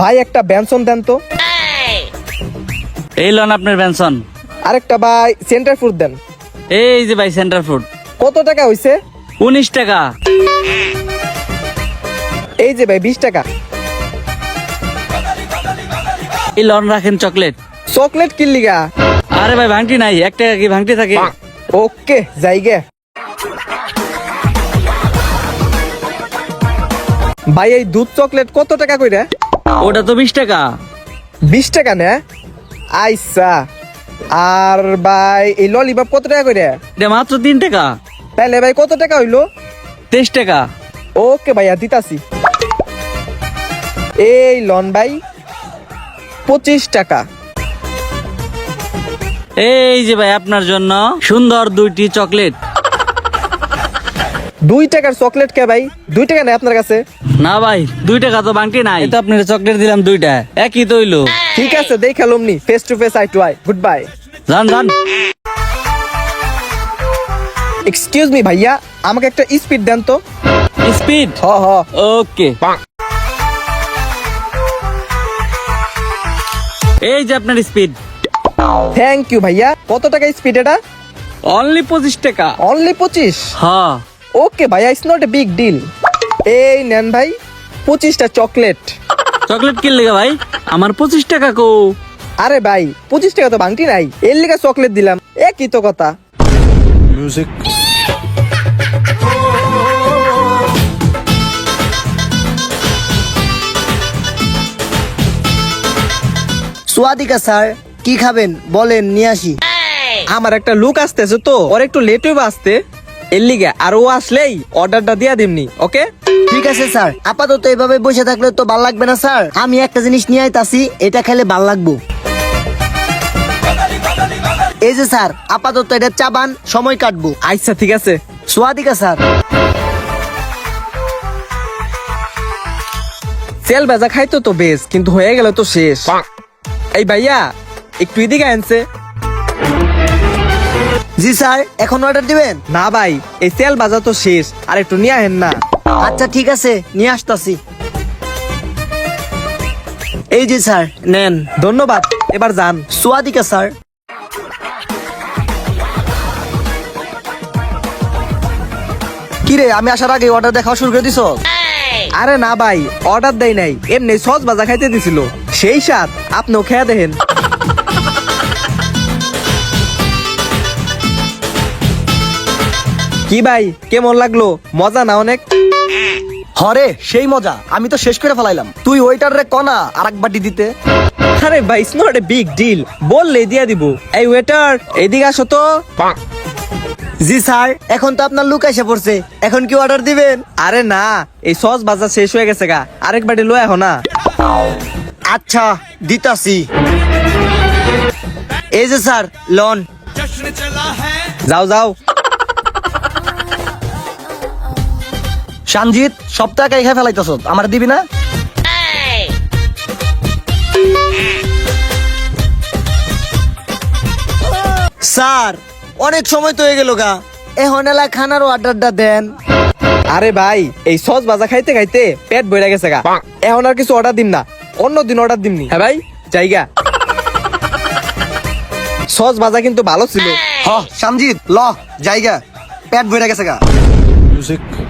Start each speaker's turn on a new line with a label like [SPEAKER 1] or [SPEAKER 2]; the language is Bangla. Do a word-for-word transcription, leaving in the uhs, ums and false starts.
[SPEAKER 1] ভাই একটা বেনসন দেন তো।
[SPEAKER 2] এই লন আপনার পেনশন।
[SPEAKER 1] আরেকটা ভাই সেন্টার ফুড দেন।
[SPEAKER 2] এই যে ভাই সেন্টার ফুড।
[SPEAKER 1] কত টাকা হইছে?
[SPEAKER 2] উনিশ টাকা।
[SPEAKER 1] এই যে ভাই বিশ টাকা।
[SPEAKER 2] এই লন রাখেন চকলেট।
[SPEAKER 1] চকলেট কি লিগা?
[SPEAKER 2] আরে ভাই ভাঙটি নাই, এক টাকা কি ভাঙটি থাকে?
[SPEAKER 1] ওকে যাইগে। ভাই এই দুধ চকলেট কত টাকা কইরা?
[SPEAKER 2] ওটা তো বিশ টাকা।
[SPEAKER 1] বিশ টাকা না? আইসা। আর ভাই এই ললিপপ কত টাকা কইরা?
[SPEAKER 2] এটা মাত্র তিন টাকা।
[SPEAKER 1] তাহলে ভাই কত টাকা হইলো?
[SPEAKER 2] তেইশ টাকা।
[SPEAKER 1] ওকে ভাইয়া দিতাছি। এই লন ভাই পঁচিশ টাকা।
[SPEAKER 2] এই যে ভাই আপনার জন্য সুন্দর দুইটি চকলেট।
[SPEAKER 1] দুই টাকার চকলেট কে ভাই? দুই টাকা নেই আপনার কাছে?
[SPEAKER 2] না ভাই দুই টাকা তো বাংটি নাই, তো আপনার চকলেট দিলাম দুইটা, একই তো হইলো।
[SPEAKER 1] ঠিক আছে দেখ খেলুমনি, face to face eye to eye. Goodbye.
[SPEAKER 2] যান যান।
[SPEAKER 1] এক্সকিউজ মি ভাইয়া, আমাকে একটা স্পিড দেন তো।
[SPEAKER 2] স্পিড?
[SPEAKER 1] হ হ।
[SPEAKER 2] ওকে। এই যে আপনার স্পিড।
[SPEAKER 1] থ্যাংক ইউ ভাইয়া। কত টাকা স্পিড এটা?
[SPEAKER 2] অনলি পঁচিশ টাকা।
[SPEAKER 1] অনলি পঁচিশ?
[SPEAKER 2] হ্যাঁ।
[SPEAKER 1] ওকে ভাইয়া, it's not a big deal. এই নেন ভাই পঁচিশটা চকলেট।
[SPEAKER 2] চকলেট কিনলে ভাই? আমার পঁচিশ টাকা কো।
[SPEAKER 1] আরে ভাই পঁচিশ টাকা তো বাংটি নাই, এর লিগা চকলেট দিলাম, একই তো কথা।
[SPEAKER 3] Music.
[SPEAKER 4] সোয়াদিকা স্যার, কি খাবেন বলেন নিয়ে আসি।
[SPEAKER 1] আমার একটা লুক আসতেছে তো, ওর একটু লেট হইবে আসতে, এর লিগা। আর ও আসলেই অর্ডারটা দিয়া দিমনি। ওকে
[SPEAKER 4] ঠিক আছে স্যার, আপাতত এভাবে বসে থাকলে তো ভাল লাগবে না স্যার। আমি একটা জিনিস নিয়ে আইতাছি, এটা খেলে ভাল লাগবো। এই যে স্যার, আপাতত এটা চাবান, সময় কাটবো।
[SPEAKER 1] আচ্ছা ঠিক আছে।
[SPEAKER 4] সোয়াদিকা স্যার।
[SPEAKER 1] তেল ভাজা খাইতো তো বেশ, কিন্তু হয়ে গেল তো শেষ। এই ভাইয়া একটু এদিকে আনছে।
[SPEAKER 4] জি স্যার, এখন অর্ডার দিবেন?
[SPEAKER 1] না ভাই এই তেল ভাজা তো শেষ, আর একটু নিয়ে আহেন না।
[SPEAKER 4] আচ্ছা ঠিক আছে, নিয়ে আসতাছি। এই যে স্যার নেন।
[SPEAKER 1] ধন্যবাদ, এবার যান।
[SPEAKER 4] সোয়াদিকা স্যার। কিরে, আমি আসার আগে অর্ডার দেখা শুরু করে দিছ?
[SPEAKER 1] আরে না ভাই, অর্ডার দেয় নাই, এমনি সস ভাজা খাইতে দিছিল, সেই স্বাদ। আপনিও খেয়ে দেখেন। কি ভাই কেমন লাগলো? মজা না অনেক?
[SPEAKER 4] হরে সেই মজা, আমি তো শেষ করে ফেলাইলাম। তুই ওইটার রে কনা আর এক বাটি দিতে।
[SPEAKER 1] আরে ভাই it's not a big deal, বললে দিয়া দিব। এই ওয়েটার এদিকে আসো তো।
[SPEAKER 4] জি স্যার, এখন তো আপনার লুক এসে পড়ছে, এখন কি অর্ডার দিবেন?
[SPEAKER 1] আরে না, এই সস ভাজা শেষ হয়ে গেছে গা, আরেক বাটি লয়ে আহো না।
[SPEAKER 4] আচ্ছা দিতাছি। এই যে স্যার লন।
[SPEAKER 1] যাও যাও।
[SPEAKER 4] সঞ্জিত, সব টাকা এখানে ফেলাইতেছ, আমার দিবি না? স্যার অনেক সময় তো হয়ে গেল গা, এখন এলা খানার অর্ডারটা দেন।
[SPEAKER 1] আরে ভাই এই সস ভাজা খাইতে খাইতে পেট ভরে গেছে গা, এখন আর কিছু অর্ডার দিম না, অন্য দিন অর্ডার দিমনি। হ্যাঁ ভাই জায়গা। সস ভাজা কিন্তু ভালো ছিল।
[SPEAKER 4] হ সঞ্জিত ল জায়গা, পেট ভরে গেছে গা।
[SPEAKER 3] Music.